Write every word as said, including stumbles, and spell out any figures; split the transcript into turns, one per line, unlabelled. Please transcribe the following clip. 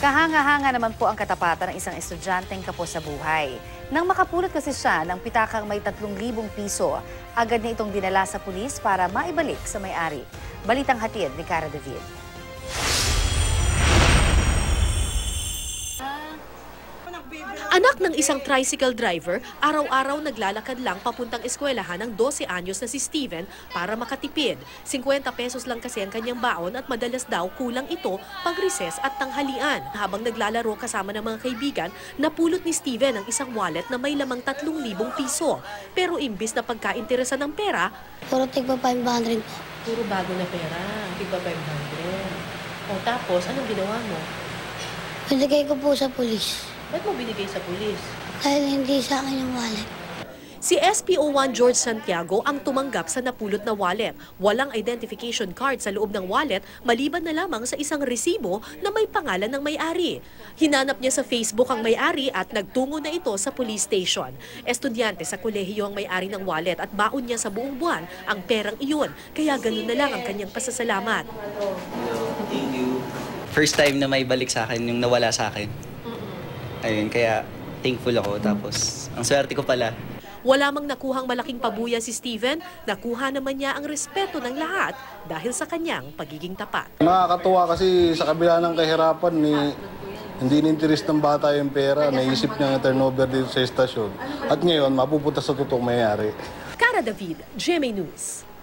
Kahanga-hanga naman po ang katapatan ng isang estudyanteng kapos sa buhay. Nang makapulot kasi siya ng pitakang may tatlong libong piso, agad niya itong dinala sa pulis para maibalik sa may-ari. Balitang hatid ni Cara David.
Anak ng isang tricycle driver, araw-araw naglalakad lang papuntang eskwelahan ng dose anyos na si Steven para makatipid. fifty pesos lang kasi ang kanyang baon at madalas daw kulang ito pag recess at tanghalian. Habang naglalaro kasama ng mga kaibigan, napulot ni Steven ang isang wallet na may lamang tatlong libong piso. Pero imbis na pagkainteresan ng pera,
puro tigpa five hundred po.
puro bago na pera, tigpa five hundred. O tapos, anong ginawa mo?
Binigay ko po sa pulis.
Ba't mo binigay sa pulis?
Dahil hindi sa akin yung wallet.
Si S P O one George Santiago ang tumanggap sa napulot na wallet. Walang identification card sa loob ng wallet maliban na lamang sa isang resibo na may pangalan ng may-ari. Hinanap niya sa Facebook ang may-ari at nagtungo na ito sa police station. Estudyante sa kolehiyo ang may-ari ng wallet at baon niya sa buong buwan ang perang iyon. Kaya ganun na lang ang kanyang pasasalamat.
Thank you. First time na may balik sa akin yung nawala sa akin. Ayun, kaya thankful ako. Tapos, ang swerte ko pala.
Wala mang nakuhang malaking pabuya si Steven, nakuha naman niya ang respeto ng lahat dahil sa kanyang pagiging tapat.
Nakakatuwa kasi sa kabila ng kahirapan, ni, hindi ninteres ng bata yung pera. Naisip niya ng turnover dito sa estasyon. At ngayon, mapupunta sa totoong mayayari.
Cara David, G M A News.